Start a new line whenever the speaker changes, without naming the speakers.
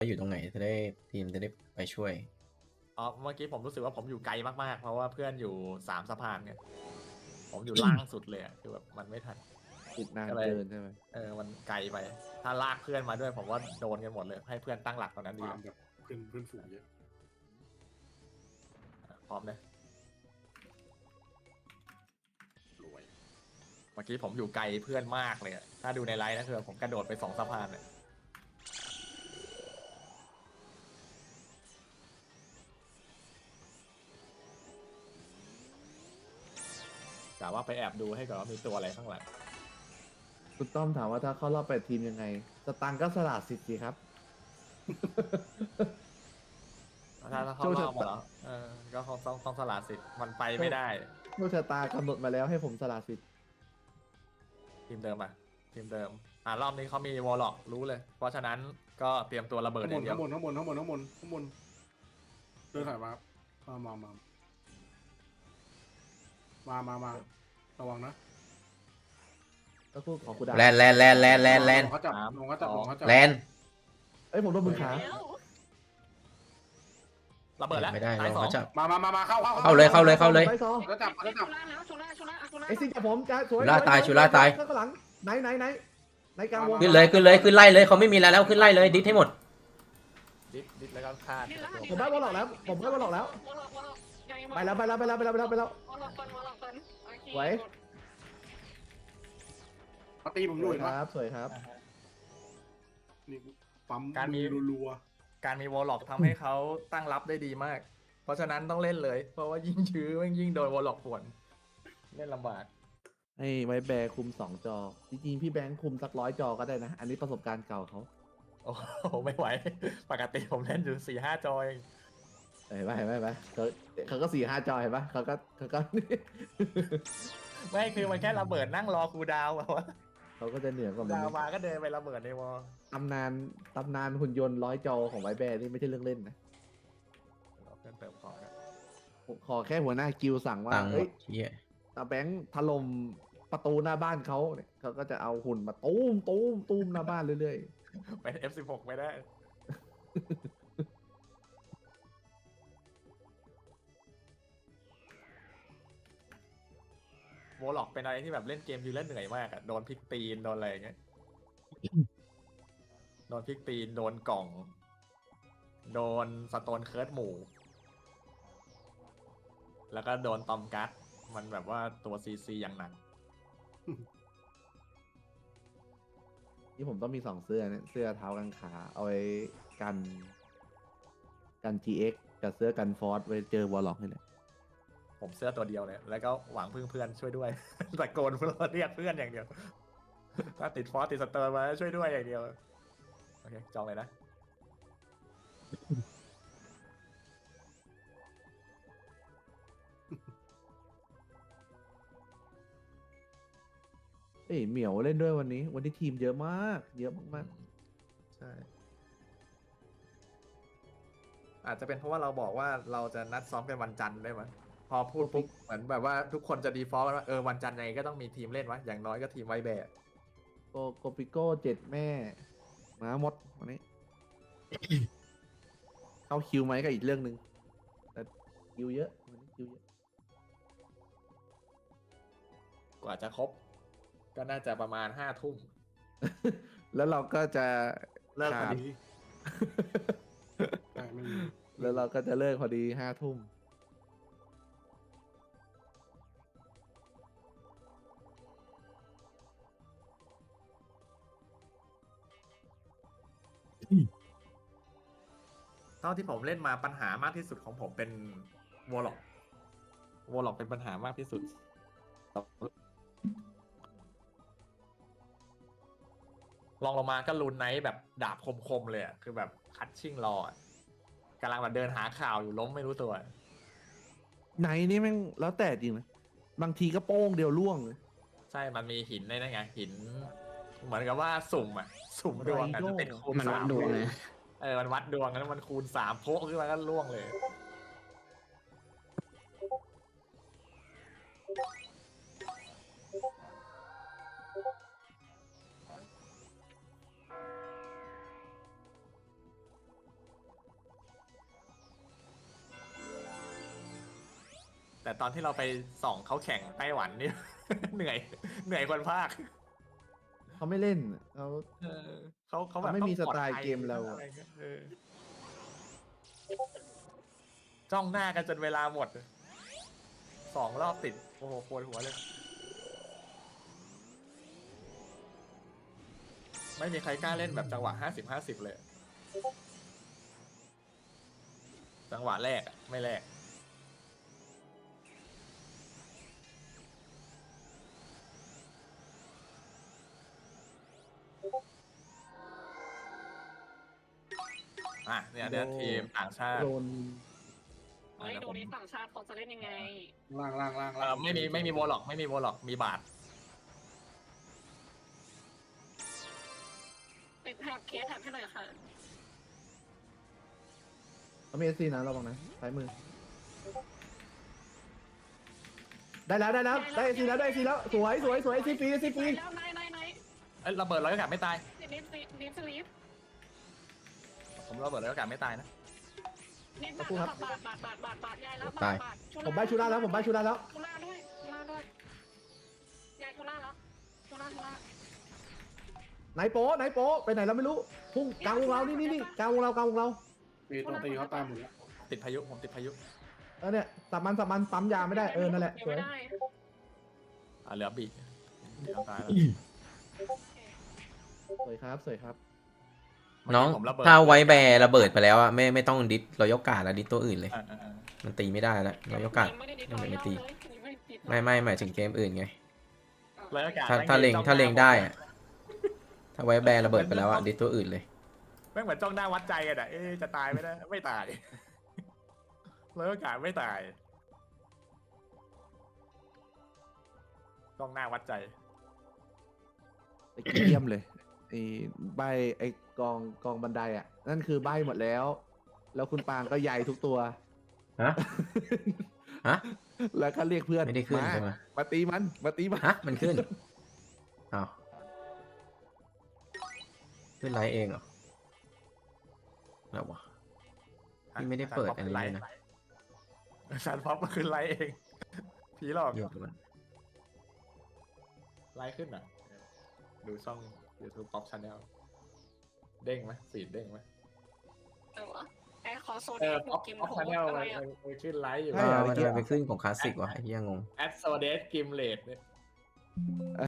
อยู่ตรงไหนจะได้ทีมจะได้ไปช่วย
อ๋อเมื่อกี้ผมรู้สึกว่าผมอยู่ไกลมากๆเพราะว่าเพื่อนอยู่3สะพานเนี่ยผมอยู่ล่างสุดเลยคือแบบมันไม่ทัน
ติดนาน
ก็เลย
เกินใช่ไหม
มันไกลไป ถ้าลากเพื่อนมาด้วยผมว่าโดนกันหมดเลยให้เพื่อนตั้งหลักตอนนั้นดี
ฟาร์มแบบเพื่อนฝูงเยอะ
พร้อมเลย
รวย
เมื่อกี้ผมอยู่ไกลเพื่อนมากเลยอะถ้าดูในไลน์นะคือผมกระโดดไป2สะพานเลยกะว่าไปแอบดูให้ก่อนว่ามีตัวอะไรข้างหลัง
คุณต้อมถามว่าถ้าเข้ารอบ8 ทีมยังไง สตังค์ก็สละสิทธิ์สิครับ
ถ้าเข้ารอบมาแล้วก็คงต้องสละสิทธิ์มันไปไม่ได้
โชคชะตากำหนดมาแล้วให้ผมสละสิทธิ์
ทีมเดิมอ่ะทีมเดิมรอบนี้เขามีวอลล็อกรู้เลย เพราะฉะนั้นก็เตรียมตัวระเบิดอย่างเดียว
ข้างบนเดินถ่ายมามาระวังนะ
ก็พูดของกูดา
แลน
เขาจับ
แลน
เอ้ยผมโดนมือขา
ระเบิดแล้ว
ไม่ได้
ตาย
เรา
สอง
เขาจับ
มาเข้า
เข้าเลย
ไปซอ
แล้วจับ
ไอ้ซิงกับผมจ้าสวย
ชูล่าตายชูล่าตาย
ข้างหลังไหนกลางวง
ขึ้นเลยขึ้นไล่เลยเขาไม่มีแล้วขึ้นไล่เลยดิสให้หมด
ดิสแล้วก็ฆ่า
ผมได้บอลหลอกแล้วไปแล้วไหว
เขาตีผมอ
ส
ยู่
วย
เห็น
ค
ปะ
รับสวยครับ
นี่ปั๊ม
การมี
รัว
การมีวอลล็อกทำให้เขาตั้งรับได้ดีมาก เพราะฉะนั้นต้องเล่นเลย เพราะว่ายิ่งชื้อยิ่งโดนวอลล็อกป่วนเล่นลำบาก
ให้ไว้แบร์คุม2 จอ จริงๆพี่แบงค์คุมสัก100 จอก็ได้นะ อันนี้ประสบการณ์เก่าเขา
โอ้โหไม่ไหว ปกติผมเล่นอยู่4-5 จอเอง
เห็นปะเขาก็4-5 จอเห็นปะเขาก็
ไม่คือมันแค่ระเบิดนั่งรอคูลดาวน์อะวะ
เขาก็จะเหนือกว่ามัน
ดาวน์มาก็เดินไประเบิดในวอล
ตำนานหุ่นยนต์100 จอของไวแบร์นี่ไม่ใช่เรื่องเล่นนะ
เพื่อนเติมของกัน
ขอแค่หัวหน้ากิลสั่งว่า
ตังค์หม
เอ้
ด
ย
เฮีย
ตาแบงค์ถล่มประตูหน้าบ้านเขาเนี่ยเขาก็จะเอาหุ่นมาตูมหน้าบ้านเรื่อย
เป็น F16 ไม่ได้ วอลล็อกเป็นอะไรที่แบบเล่นเกมทีเล่นเหนื่อยมากอะโดนพลิกตีนโดนอะไรอย่างเงี้ย โดนพลิกตีนโดนกล่อง โดนสโตนเคิร์ดหมู่ แล้วก็โดนตอมกัสมันแบบว่าตัวซีอย่างหนัก
ๆที่ผมต้องมี2 เสื้อเนี่ยเสื้อเท้ากางขาเอาไว้กัน GX กับเสื้อกันฟอร์สไว้เจอวอลล็อกนี่แหละ
ผมเสื้อตัวเดียวเลย แล้วก็หวังพึ่งเพื่อนช่วยด้วย ตะโกนเพื่อนเรียกเพื่อนอย่างเดียว ถ้าติดฟอสติดสเตอร์มาช่วยด้วยอย่างเดียว โอเค จองเลยนะ
เอ้ยเหมียวเล่นด้วยวันนี้ทีมเยอะมาก
ใช่ อาจจะเป็นเพราะว่าเราบอกว่าเราจะนัดซ้อมกันวันจันทร์ได้ไหมพอพูดปุ๊บเหมือนแบบว่าทุกคนจะดีฟอลต์ว่าวันจันทร์ยังไงก็ต้องมีทีมเล่นวะอย่างน้อยก็ทีมไวแบก
โกปิโก้7 แม่ม้าหมดวันนี้ เข้าคิวไหมก็อีกเรื่องหนึ่งแต่คิวเยอะวันนี้คิวเยอะ
กว่าจะครบ ก็น่าจะประมาณ5 ทุ่ม
แล้วเราก็จะ
เลิกพอ
ขาด
ดีแต่ไม่มี
แล้วเราก็จะเลิกพอดี5 ทุ่ม
เท่าที่ผมเล่นมาปัญหามากที่สุดของผมเป็นวอลล็อกเป็นปัญหามากที่สุด ลองลงมาก็ลูนไนท์แบบดาบคมๆเลยอะคือแบบคัดชิ่งรออะกำลังแบบเดินหาข่าวอยู่ล้มไม่รู้ตัว
ไหนนี่แม่งแล้วแต่จริงนะบางทีก็โป้งเดียวล่วงเลย
ใช่ มันมีหินในนั่นไงหิน เหมือนกับว่าสุ่มดวงอะจะเป็นคูณ
มันวัด
3
ดวงเลย
มันวัดดวงแล้วมันคูณ3โพกขึ้นมาก็ล่วงเลยแต่ตอนที่เราไปส่องเขาแข่งไต้หวันนี่ เหนื่อยคนภาค
เขาไม่เล่นเขา
เขาแบบ
เขาไม่มี
ต้อง
สไตล์
ปลอดภัย
เกมเราอะ
อะไรงี้ยจ้องหน้ากันจนเวลาหมด2 รอบติดโอ้โหปวดหัวเลย ไม่มีใครกล้าเล่นแบบจังหวะ50-50เลย จังหวะแรกอะไม่แรก เนี่ยทีมต่างชาติ
โดน
เฮ้ยดูนี้ต่างชาติเขาจะเล่นยังไง
ล่าง
ไม่มีโวล็อกไม่มีโวล็อกมีบาท
ติดแท็บเคสแท็บให้หน่อยค่ะ
เขามีเอซีนะระวังนะซ้ายมือ ได้แล้วได้เอซีแล้วสวยเอซีฟรี
แล้วไหน
เอ้ยระเบิดร้อยอากาศไม่ตาย
นิดสลีฟ
ผมระเบิดร้อยอากาศไม่ตายนะ
นิดบาทยายแล้วบาท
ผมใบชูล่าแล้ว
ชุล่าด้วยยายชุล่าแล้วชุล่า
ไหนโป๊ไปไหนเราไม่รู้พุ่งกลางวงเรานี่กลางวงเรา
ตีตัวตีเขาตายหมดแล้ว
ติดพายุผมติดพายุ
เนี่ยสับมันปั๊มยาไม่ได้นั่นแหละสวย
ไม่ได้
เหลือบีเดี๋ยวตายแล้ว
สวยครับ
น้อง
ผมระเบิด
ถ้าไว้แบร์ระเบิดไปแล้วอะไม่ต้องดิสรอยกาดแล้วดิสตัวอื่นเลย
อ่า
มันตีไม่ได้แล้วรอยกาด
ไม่ได้ดี
ไม่ตี
ไม่
ไม่หมายถึงเกมอื่นไง
ร้อยอากาศ
ถ้าเล็งได้อะถ้าไว้แบร์ระเบิดไปแล้วอะดิสตัวอื่นเลย
แม่งเหมือนจ้องหน้าวัดใจกันอ่ะจะตายไหมนะไม่ตายร้อยอากาศไม่ตายจ้องหน้าวัดใจ
ไอ้เยี่ยมเลยไอ้ใบไอ้กองบันไดอ่ะนั่นคือใบหมดแล้ว แล้วคุณปางก็ใหญ่ทุกตัว
ฮะ ฮะ
แล้วก็เรียกเพื่อน
ไม่ได้ขึ้นใช่ไหม
มาตีมัน
ฮะมันขึ้นอ้าวขึ้นไลฟ์เองเหรอแล้ววะ พี่ไม่ได้เปิดอันนี้เลยนะ
ฉันพอปมาขึ้นไลฟ์เองผีหลอก
โยกมัน
ไลฟ์ขึ้นอ่ะ ดูช่อง YouTube Pop Channel เด้งไหมฟีดเด้งไหม
ไอคอโซน
Pop
กิม
Pop
โถ
Channel
อะไร
มันขึ้นไลฟ์อยู่
ใช่เหรอ
มันจะไปขึ้นของคลาสสิกวะไอ้เหี้ยงง
แอดโซเดสกิมเลดเนี่ย